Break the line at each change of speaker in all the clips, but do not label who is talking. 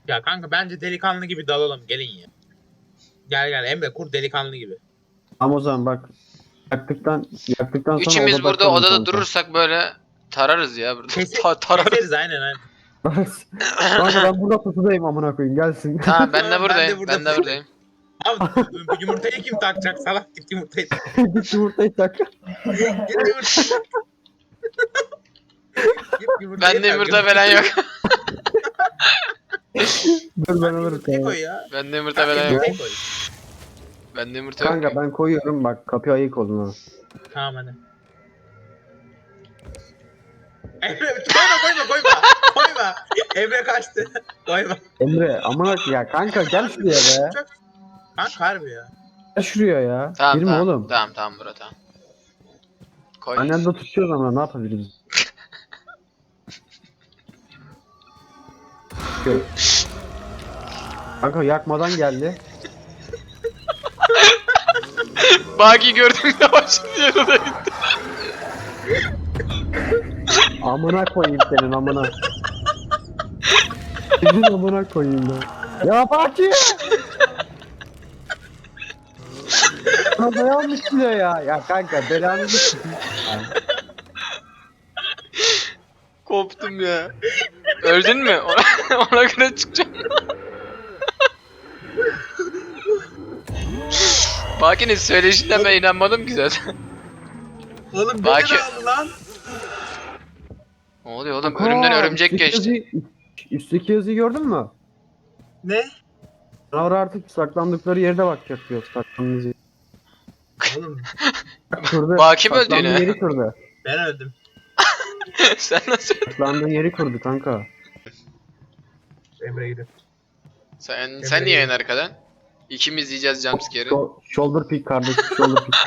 Ya kanka bence delikanlı gibi dalalım gelin ya. Gel gel Emre kur delikanlı gibi.
Ama o zaman bak. Yaktıktan sonra
Üçümüz
odada
burada
kalın
odada
kanka.
durursak böyle tararız ya burada. Tararız.
Keseriz aynen.
Kanka ben burada pusudayım amına koyayım gelsin.
Tamam ben de
Tamam,
buradayım.
burada
Ben de buradayım.
Abi yumurtayı kim takacak salak git yumurtayı tak.
Git yumurtayı tak.
Git yumurtayı tak. Git yumurtayı
Bende
tak,
yumurta falan yok.
Dur ben alırım
Yumurtayı
kanka.
koy ya.
Bende yumurta falan yok.
Yumurtayı koy.
Bende yumurta yok.
Kanka ben koyuyorum bak kapıyı ayık olun ha.
Tamam hadi. Emre koyma. Emre kaçtı. Koyma.
Emre amına ya kanka gel şuraya be.
Kanka harbi ya.
Gel şuraya ya.
Tamam
Girme
tamam.
oğlum.
Tamam bro tamam. Koy.
Annen de tutuyoruz ama ne yapabiliriz? Yok. Kanka yakmadan geldi.
Baki gördüğümde başım yanına gitti.
Amına koyayım senin amına. Senin amına koyayım ben. Ya Baki! Bana yanlış diyor ya. Ya kanka belanızı sikeyim.
Koptum ya. Öldün mü? Ona göre çıkacağım. Baki'nin söyleşinden ben inanmadım ki zaten.
Oğlum
Baki-
beni de aldı lan.
Ne oluyor oğlum? Önümden örümcek
Üstteki
geçti.
Üstteki yazıyı gördün mü?
Ne?
Canavar artık saklandıkları yerde bakacak diyor saklandığı.
Oğlum
Kurdu.
Baki mi öldü
Saklandığı
yine?
yeri kurdu.
ben öldüm.
Sen nasıl?
Saklandığı yeri kurdu kanka.
Emre gidiyor.
Sen niye en arkadan? İkimiz yiyeceğiz jumpscare'ı.
Shoulder pick kardeşim shoulder pick.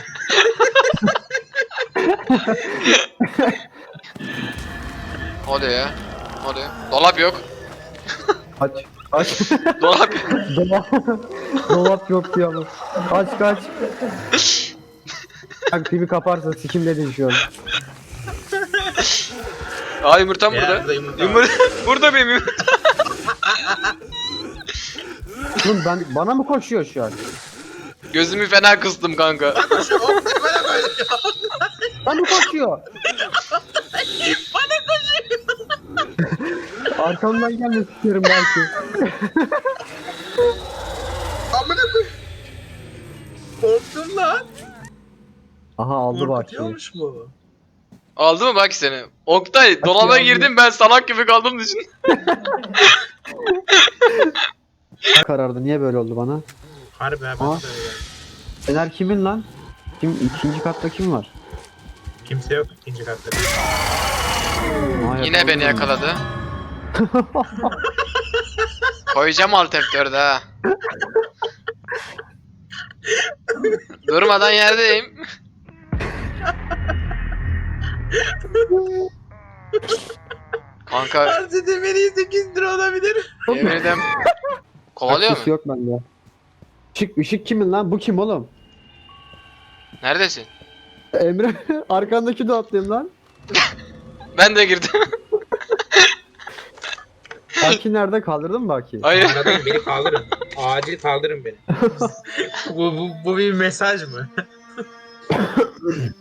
O da ya. O da ya. Dolap yok.
Aç. Aç.
Dolap yok.
Dolap yok diyor ama. Kaç kaç. Kanka TV kaparsa sikim dedin şu an.
Aa yumurtam
Ya,
burada.
burada yumurta
Yumurta. Burada benim yumurtam.
Oğlum bana mı koşuyor şu an?
Gözümü fena kıstım kanka.
Bana mı koşuyor? Arkamdan gelme sikerim belki.
Amına koy. Korktum lan.
Aha aldı bak.
Korkutuyormuş bu.
Aldı mı bak seni? Oktay dolaba
aldı.
girdim ben salak gibi kaldım düşün.
Karardı niye böyle oldu bana?
Harbi abi.
Aa. Fener kimin lan? İkinci katta kim var?
Kimse yok ikinci katta.
Aa,
Yine beni yakaladı. Koyacağım alt F4'e ha. Durmadan yerdeyim. Kanka
Arz edemeliyiz 8 lira olabilir.
yemin ederim. Kovalıyor
Aksis
mu?
yok bende. Işık kimin lan? Bu kim oğlum?
Neredesin?
Emre arkandaki de atlayayım lan.
Ben de girdim.
Baki nerede kaldırdın mı Baki?
Hayır.
Aradan beni kaldırın. Acil kaldırın beni. bu bir mesaj mı?